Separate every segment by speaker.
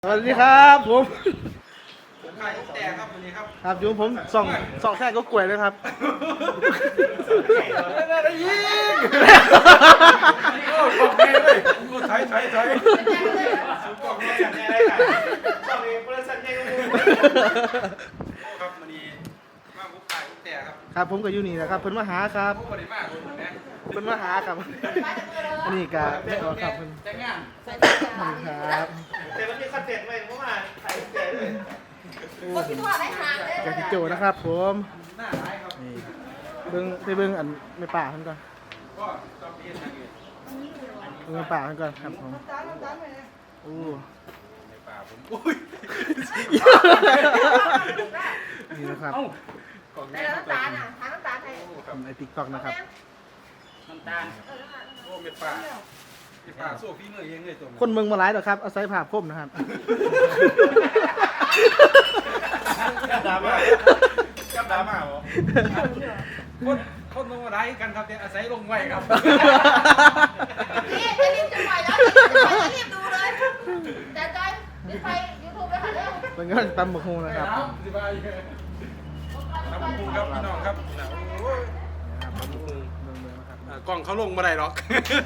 Speaker 1: สวัสดีครับผม
Speaker 2: ขายแต่ครับวันนี้ครับ
Speaker 1: ครับอยู่ผมส่องแท้ก็กล้วยเลยครับ
Speaker 2: ยิงโอ้ของแม่เลยกูไทยสุกกองแม่อะไรกันชอบเลยบริษัทใหญ่ครับวันนี้มาบุกขายแต่ครับ
Speaker 1: ครับผมกับยูนี่นะครับเพิ่นมาหาครับ
Speaker 2: ผู้บริมาคนนะ
Speaker 1: เพิ่นมาหาครับอันนี้ก็ไม่ออกครับเพิ่น
Speaker 2: แต่งงาน
Speaker 1: ครับ
Speaker 2: แต่มันมีคอนเทนต์ไว้ผมมาขายแต่เลย
Speaker 3: ก็คิดว่าได้ทางเลย
Speaker 1: กับพี่โจนะครับผม
Speaker 2: หน้าร้ายครับ
Speaker 1: นี่เบิ่งอันไม่ป่าเพิ่นก่อน
Speaker 2: ก็ชอบเรียนทางอื่น
Speaker 1: เบิ่งไม่ป่าเพิ่นก่อนครับผมโอ้
Speaker 2: ในป่าผมอุ้ย
Speaker 1: นี่นะครับ
Speaker 2: ของ
Speaker 3: ใน
Speaker 2: แม่
Speaker 3: น้ำตาลอ่ะทางน้ำตาลไทย
Speaker 1: ใน TikTok นะครับ
Speaker 2: น้ำตาลโอ้เม็ดป่าเม็ดป่าสู้พี่เมื่อเองเลยตัว
Speaker 1: คนเมืองมาหลายดอกครับอาศัยภาพคมนะครับ
Speaker 2: ดราม่ากับดราม่าเหรอคนลงมาได้กันครับเนี่ยอาศัยลงไว้ครับ
Speaker 3: นี่จะรีบจะปล่อยแล้วจะรีบดูเลยแต่จอยรีบไปยูทูบเลยค่ะเร็ว
Speaker 1: เป็นก็ตำบักฮงนะครับ
Speaker 2: สบายน้ำพุงครับพี่น้องครับโอ้ย
Speaker 1: นะครับตำบักฮงเมืองนะครับ
Speaker 2: กล้องเขาลงมาได้หรอก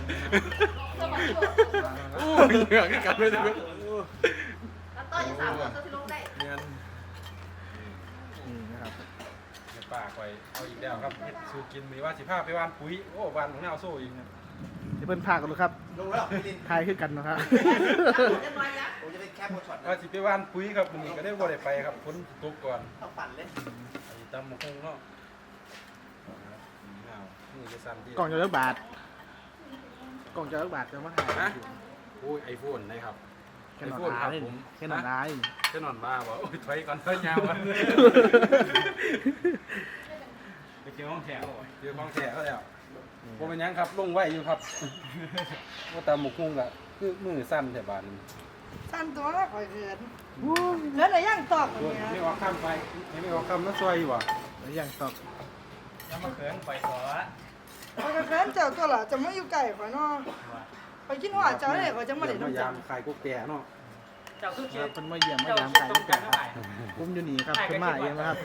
Speaker 2: โอ้ยเหงื่อกันไม่ได้เลย
Speaker 3: แล้วต้อยจะสามคนจะลงได้
Speaker 2: เนี่ย
Speaker 1: นี่นะครับ
Speaker 2: ป่าคอยเอาอีกแล้วครับสูกินมีว่า15ไปวานปุ๋ยโอ้วานของแนวโซ่อีก
Speaker 1: ที่เพิ่นพากันดูครับ
Speaker 2: ลงแล้วพี่ลิน
Speaker 1: ทายขึ้นกันนะครับ
Speaker 3: เรียบร้อยแล้ว
Speaker 2: ผมจะได้แคปช็อตว่าสิไปวานปุ๋ยครับมันก็ได้บ่ได้ไปครับฝนตกก่อน
Speaker 4: ต้องปั่นเลย
Speaker 2: ไอ้ตำมะคงเนาะนี่จะสั่นที่
Speaker 1: กล่องจะเลิกบาทกล่องจะเลิกบาทจะมาหา
Speaker 2: นะโอ้ยไอโฟนนะครับ
Speaker 1: แค่นอนร้ายแค่นอนร้าย
Speaker 2: แค่นอนบ้าบ่โอ้ยถอยก่อนถอยยาวมันไปเจอห้องแถวเจอห้องแถวแล้วผมเป็นยังครับลงไว้อยู่ครับว่าตำมะคงก็คือมือสั้นแต่บาน
Speaker 5: สั้นตัวข่อยเขินแล้วอะไรย่างตอกอย่างเงี้ย
Speaker 2: ไม่ออกคำไปไม่ออกคำมาซอยอยู่ว่ะ
Speaker 1: แล้วอย่างตอบ
Speaker 4: ยังมาเขินปล่อยขอ
Speaker 5: ข่อยก็เขินเจ้าตัวละจะไม่อยู่ไก่ข่อยเนาะข่อยคิดว่าเจ้าเนี่ยข่อยจะมาเล่น
Speaker 2: พยา
Speaker 5: น้ำ
Speaker 2: ยา
Speaker 5: จั
Speaker 2: ม
Speaker 5: ง
Speaker 2: ขายกุ๊กแก่เนาะ
Speaker 4: เจ้าคือ
Speaker 1: ค
Speaker 4: เขีย
Speaker 1: รับ
Speaker 4: น
Speaker 1: เพิ่นมาเยี่ยมมายามไก่
Speaker 4: ตรงกันเท่าไหร่
Speaker 1: ผมอยู่นี่ครับเพิ่นมาเองนะครับ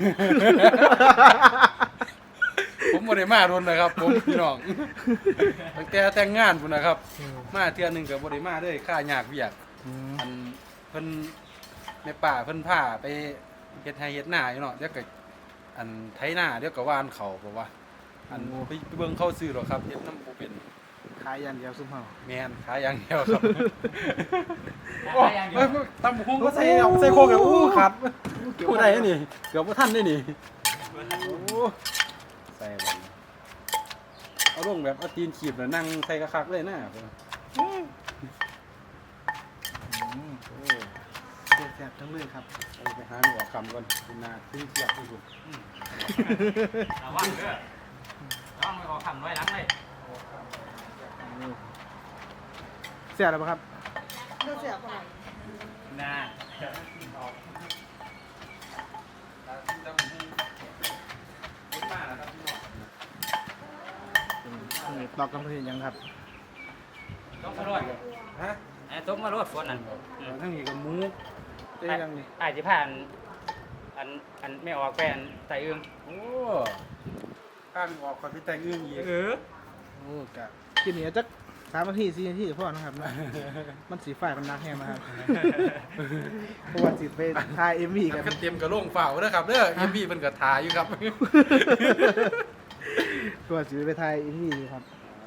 Speaker 2: ผมบ่ได้มาโดนเลยครับผมพี่น้องตั้งแต่แต่งงานพุ่นนะครับ มาเทื่อนึงก็บ่ได้มาเลยค่ายากเวียก อันเพิ่นแม่ป่าเพิ่นพาไปเฮ็ดไร่เฮ็ดนาอยู่เนาะเดี๋ยวก็อันไถนาเดี๋ยวก็หว่านเขาบ่ว่าอันไปเบิ่งเขาซื้อหรอกครับเฮ็ดน้ำบ่เป็น
Speaker 1: ขายยันเดียวซุ่มเฮา
Speaker 2: แม่นขายอย่างเดียวครับ
Speaker 4: โอ้ยยังอยู่
Speaker 2: ตำหุงก็ใส่เอาใส่โคกแล้วอู้ครับผู้ใดนี่เกือบบ่ทันได้นี่โอ้ใส่บ่เอาลงแบบเอาตีนขีบแล้วนั่งใส่คักๆเลยนะ
Speaker 1: โอ้แซ่บทั้งเลยครับ
Speaker 2: ไปหาหนูคำก่อนคุณนาขึ้นเสียบที่สุด
Speaker 4: ระวังเด้อระวังไม่ออกคำไว้หลังเลย
Speaker 1: แซ่บแล้วปะครับ
Speaker 5: เจ้าเสียบอะไร
Speaker 4: น่า
Speaker 1: นี่ตอกกันเพิ่นยังครับ
Speaker 4: ต้องมาโรด
Speaker 2: ฮะ
Speaker 4: ไอ้ต้องมาโรดฝนนั่น
Speaker 2: ทั้งนี้กับหมู
Speaker 1: เอ้ยยังนี่
Speaker 4: ไอ้ที่ผ่านอันไม่ออกแปลนใส่อึ้ง
Speaker 2: โอ้ข้างออกก่อนพี่แต่งอึ้งอีก
Speaker 1: โอ้กะกินนี่จัก3 นาที4 นาทีก็พอนะครับนะมันสีฝ่ายมันนักแฮงนะครับเพราะว่าสิไปถ่าย MV กัน
Speaker 2: กันเตรียมกระโล่งเฝ้าเด้อครับเด้อเอ็มพีเป็นกระทาอยู่ครับ
Speaker 1: ตัวสิไปถ่าย MV อยู่ครับ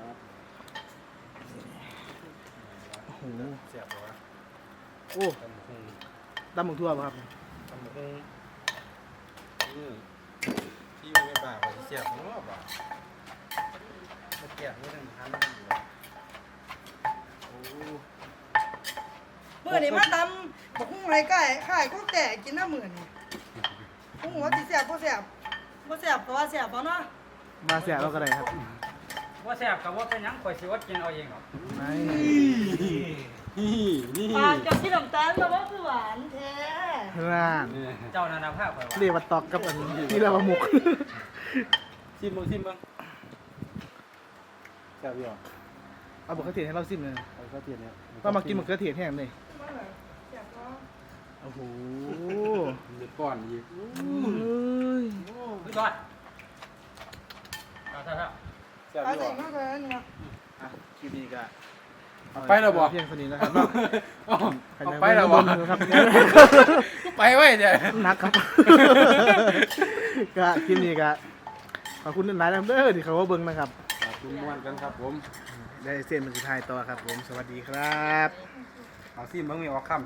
Speaker 1: โอ้โห
Speaker 2: เสียบเหรอวะ
Speaker 1: โอ้ตำหมูทั่วป่ะครับ
Speaker 2: ทำหมูที่อยู่ในป่าเสียบเนาะป่ามาแกะไม่ได้ทันอยู่แล้วโอ้
Speaker 5: เมื่อนี่มาตำบอกหุ้งไรไก่ข่ายก็แต่กินน้ำเหมือนหุ้งหัวติเสียบก็เสียบก็เสียบก็ว่าเสียบเนาะ
Speaker 1: มาเสียเราก็ได้ครับ
Speaker 4: ว่าแซ่บกับว่าเป็นหยังข่อยสิอดกินเอาเองหรอก
Speaker 1: ไม่
Speaker 2: นี่
Speaker 5: ปากจะกินน้ำตาลแต่ว่าคือหวานแท้
Speaker 1: น่าน
Speaker 4: เจ้านานาภาพข่อยว่า
Speaker 1: เรียกว่าตอกกับอันที่เราหมุก
Speaker 2: ชิมบ้างแซ่บอยู่
Speaker 1: เอามะเขือเทศให้เราซิมเลย
Speaker 2: เอาก็เทียนเนี่ย
Speaker 1: เรามากินมะเขือเทศแห้งเลย
Speaker 5: เสียบเนาะ
Speaker 1: โอ้โห
Speaker 2: เดือดก้อนอีก
Speaker 1: เอ้ย
Speaker 4: ไม่ก่อนเอาเถอะ
Speaker 2: แซ่บ
Speaker 5: เอา
Speaker 2: ดี
Speaker 5: ใส่
Speaker 2: บ่
Speaker 5: มากเลยนี่นะ
Speaker 1: อ่ะคลิปนี้ก็
Speaker 2: ไปแล้วบ่
Speaker 1: เพียงเท่านี้นะครับเนาะ
Speaker 2: เอาไปแล้วบ่
Speaker 1: ครับ
Speaker 2: ไปไว้เนี่ย
Speaker 1: นักครับ ก็คลิปนี้ก็ขอบคุณหลายๆนะครับเด้อที่เขาว่าเบิ่งนะครับ
Speaker 2: ขอบคุณม่วนกันครับผม
Speaker 1: ได้เส้นมันสุดท้ายต่อครับผม สวัสดีครับ
Speaker 2: เอาซิมเบิ่งมีออกคำ